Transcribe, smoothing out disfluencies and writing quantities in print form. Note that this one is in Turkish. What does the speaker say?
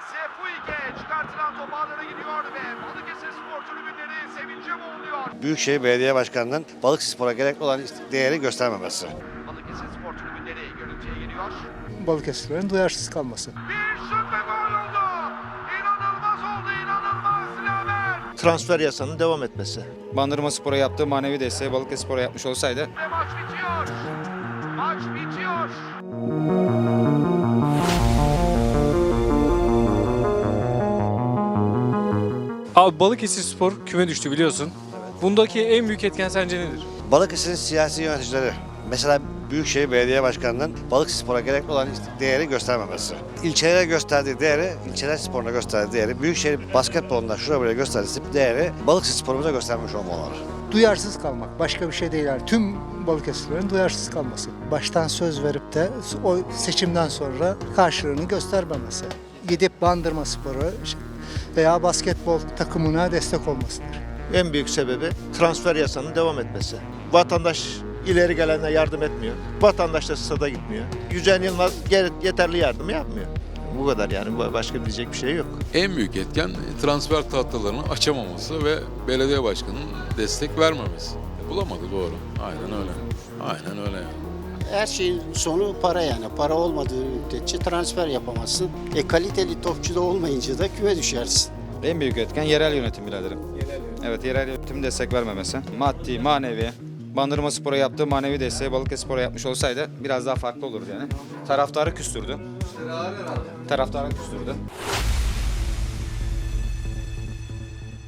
Sefuige çıkartılan top ağlara gidiyor ve Balıkesir Spor tribünleri sevince boğuluyor. Büyükşehir Belediye Başkanı'nın Balıkesirspor'a gerekli olan değeri göstermemesi. Balıkesir Spor tribünleri görüntüye geliyor. Balıkesirlerin duyarsız kalması. Bir şut ve gol oldu. İnanılmaz oldu, inanılmaz Laver. Transfer yasanın devam etmesi. Bandırmaspor'a yaptığı manevi desteği Balıkesirspor'a yapmış olsaydı Ve maç bitiyor. Maç bitiyor. Abi Balıkesirspor küme düştü biliyorsun. Bundaki en büyük etken sence nedir? Balıkesir'in siyasi yöneticileri, mesela Büyükşehir Belediye Başkanı'nın Balıkesirspor'a gerekli olan değeri göstermemesi. İlçelere gösterdiği değeri, ilçeler sporuna gösterdiği değeri, Büyükşehir basketbolunda şuraya buraya gösterdiği değeri Balıkesirspor'umuza göstermiş olmaları. Duyarsız kalmak başka bir şey değil. Yani tüm Balıkesirlerin duyarsız kalması. Baştan söz verip de o seçimden sonra karşılığını göstermemesi. Gidip Bandırmaspor'u veya basketbol takımına destek olmasıdır. En büyük sebebi transfer yasanın devam etmesi. Vatandaş ileri gelenle yardım etmiyor. Vatandaş da stada gitmiyor. Yücel Yılmaz yeterli yardım yapmıyor. Bu kadar yani, başka diyecek bir şey yok. En büyük etken transfer tahtalarını açamaması ve belediye başkanının destek vermemesi. Bulamadı, doğru. Aynen öyle. Aynen öyle yani. Her şeyin sonu para yani. Para olmadığı müddetçe transfer yapamazsın. Kaliteli topçu da olmayınca da küme düşersin. en büyük etken yerel yönetim biraderim. Evet, yerel yönetim destek vermemesi. Maddi, manevi. Bandırmaspor'a yaptığı manevi desteği Balıkesirspor'a yapmış olsaydı biraz daha farklı olurdu yani. Taraftarı küstürdü. Taraftarı küstürdü.